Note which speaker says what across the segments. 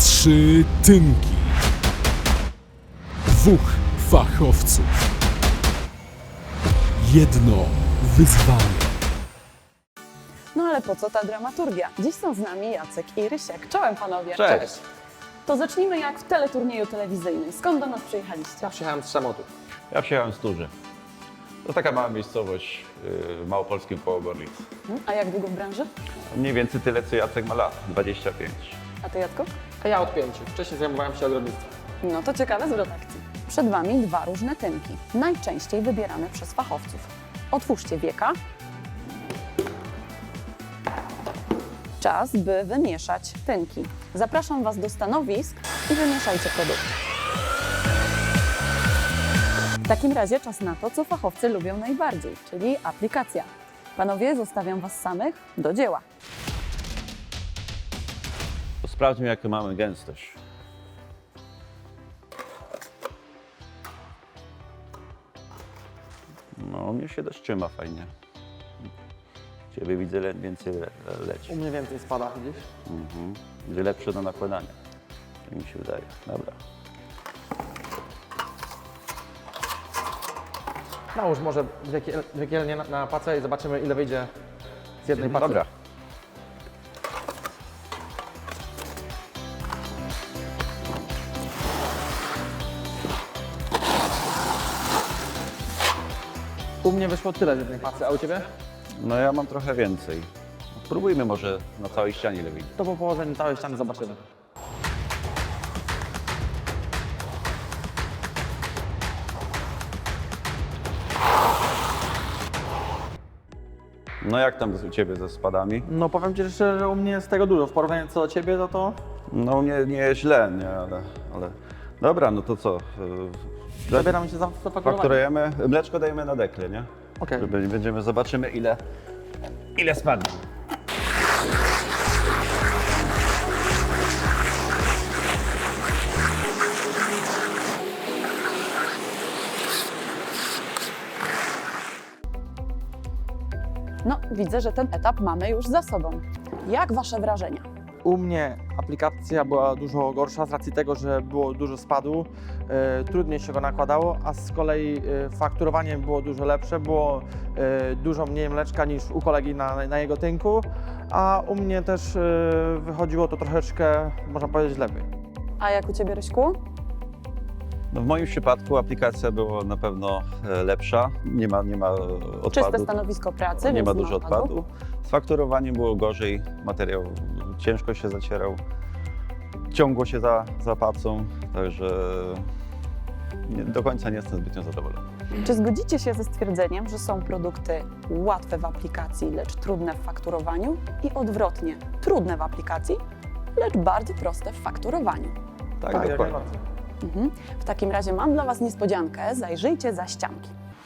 Speaker 1: 3 tynki. 2 fachowców. 1 wyzwanie.
Speaker 2: No ale po co ta dramaturgia? Dziś są z nami Jacek i Rysiek. Czołem panowie.
Speaker 3: Cześć.
Speaker 2: To zacznijmy jak w teleturnieju telewizyjnym. Skąd do nas przyjechaliście?
Speaker 3: Ja przyjechałem z Szamotu.
Speaker 4: Ja przyjechałem z Turzy. To taka mała miejscowość w małopolskim koło Gorlic.
Speaker 2: A jak długo w branży?
Speaker 4: Mniej więcej tyle, co Jacek ma lat, 25.
Speaker 2: A ty, Jacku?
Speaker 3: A ja od 5. Wcześniej zajmowałem się ogrodnictwem.
Speaker 2: No to ciekawe zwrot akcji. Przed wami 2 różne tynki, najczęściej wybierane przez fachowców. Otwórzcie wieka. Czas, by wymieszać tynki. Zapraszam was do stanowisk i wymieszajcie produkty. W takim razie czas na to, co fachowcy lubią najbardziej, czyli aplikacja. Panowie, zostawiam was samych do dzieła.
Speaker 4: To sprawdźmy, jaką mamy gęstość. No, mnie się dość trzyma fajnie. Ciebie widzę więcej leci.
Speaker 3: U mnie więcej spada, widzisz?
Speaker 4: Będzie lepsze do nakładania. Tak mi się wydaje. Dobra.
Speaker 3: Nałóż może dwie kielnie na pacę i zobaczymy, ile wyjdzie z jednej pacy.
Speaker 4: Dobra.
Speaker 3: U mnie wyszło tyle z jednej pacy, a u Ciebie?
Speaker 4: No ja mam trochę więcej. Spróbujmy może na całej ścianie ile wyjdzie.
Speaker 3: To po położeniu całej ściany zobaczymy.
Speaker 4: No jak tam u Ciebie ze spadami?
Speaker 3: No powiem Ci szczerze, że u mnie jest tego dużo. W porównaniu co do Ciebie, to...
Speaker 4: No nie jest źle, nie, ale... Dobra, no to co?
Speaker 3: Zabieramy się za fakturowanie.
Speaker 4: Fakturujemy, mleczko dajemy na dekle, nie?
Speaker 3: Okej.
Speaker 4: Zobaczymy ile spadnie.
Speaker 2: No, widzę, że ten etap mamy już za sobą. Jak wasze wrażenia?
Speaker 3: U mnie aplikacja była dużo gorsza z racji tego, że było dużo spadu, trudniej się go nakładało, a z kolei fakturowanie było dużo lepsze, było dużo mniej mleczka niż u kolegi na jego tynku, a u mnie też wychodziło to troszeczkę, można powiedzieć, lepiej.
Speaker 2: A jak u ciebie, Ryśku?
Speaker 4: No w moim przypadku aplikacja była na pewno lepsza, nie ma odpadu.
Speaker 2: Czyste stanowisko pracy,
Speaker 4: Nie
Speaker 2: więc
Speaker 4: ma dużo odpadu. Z fakturowaniem było gorzej, materiał ciężko się zacierał, ciągło się za pacą, także do końca nie jestem zbytnio zadowolony.
Speaker 2: Czy zgodzicie się ze stwierdzeniem, że są produkty łatwe w aplikacji, lecz trudne w fakturowaniu i odwrotnie, trudne w aplikacji, lecz bardzo proste w fakturowaniu?
Speaker 4: Tak,
Speaker 3: jak
Speaker 4: dokładnie.
Speaker 3: najbardziej.
Speaker 2: W takim razie mam dla was niespodziankę, zajrzyjcie za ścianki.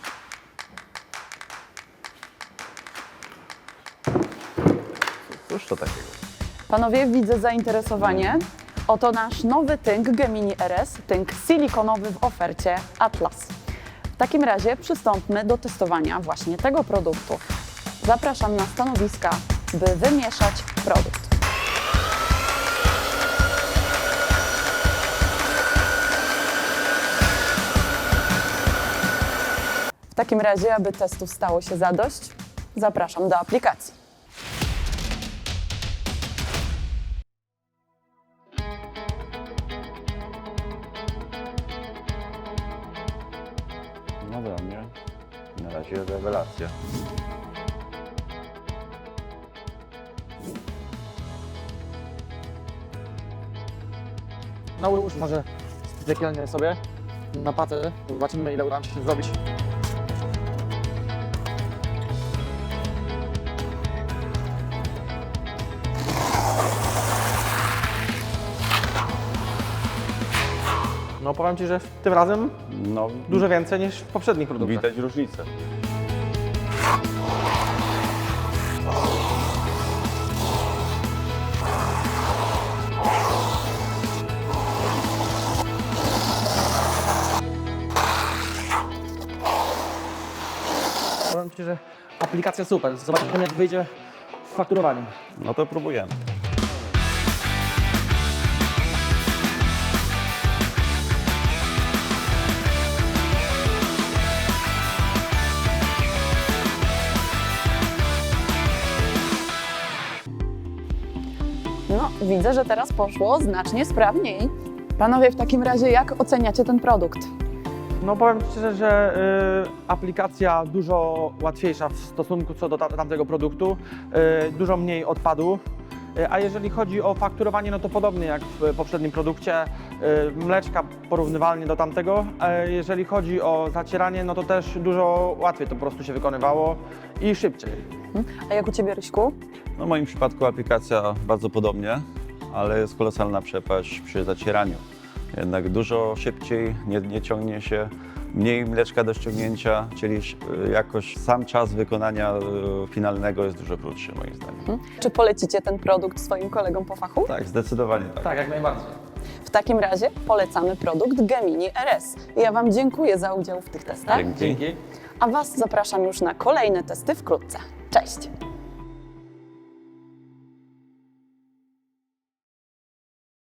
Speaker 4: Cóż to takiego?
Speaker 2: Panowie, widzę zainteresowanie. Oto nasz nowy tynk Gemini RS, tynk silikonowy w ofercie Atlas. W takim razie przystąpmy do testowania właśnie tego produktu. Zapraszam na stanowiska, by wymieszać produkt. W takim razie, aby testów stało się zadość, zapraszam do aplikacji.
Speaker 4: No dla mnie na razie rewelacja.
Speaker 3: Nałóż może dwie kielnie sobie na pacę, zobaczymy, ile uda nam się zrobić. No powiem Ci, że tym razem
Speaker 4: No,
Speaker 3: dużo więcej niż w poprzednich produktach.
Speaker 4: widać różnicę.
Speaker 3: Powiem Ci, że aplikacja super. Zobaczymy, jak wyjdzie w fakturowaniu.
Speaker 4: No to próbujemy.
Speaker 2: widzę, że teraz poszło znacznie sprawniej. Panowie, w takim razie jak oceniacie ten produkt?
Speaker 3: No powiem szczerze, że aplikacja dużo łatwiejsza w stosunku co do tamtego produktu, dużo mniej odpadu. A jeżeli chodzi o fakturowanie, no to podobnie jak w poprzednim produkcie, mleczka porównywalnie do tamtego. Jeżeli chodzi o zacieranie, no to też dużo łatwiej to po prostu się wykonywało i szybciej.
Speaker 2: A jak u Ciebie, Ryśku?
Speaker 4: No w moim przypadku aplikacja bardzo podobnie, ale jest kolosalna przepaść przy zacieraniu. Jednak dużo szybciej, nie ciągnie się, mniej mleczka do ściągnięcia, czyli jakoś sam czas wykonania finalnego jest dużo krótszy moim zdaniem.
Speaker 2: Czy polecicie ten produkt swoim kolegom po fachu?
Speaker 4: Tak, zdecydowanie tak.
Speaker 3: Tak, jak najbardziej.
Speaker 2: W takim razie polecamy produkt Gemini RS. Ja Wam dziękuję za udział w tych testach,
Speaker 4: Dzięki.
Speaker 3: Dzięki.
Speaker 2: a Was zapraszam już na kolejne testy wkrótce. Cześć!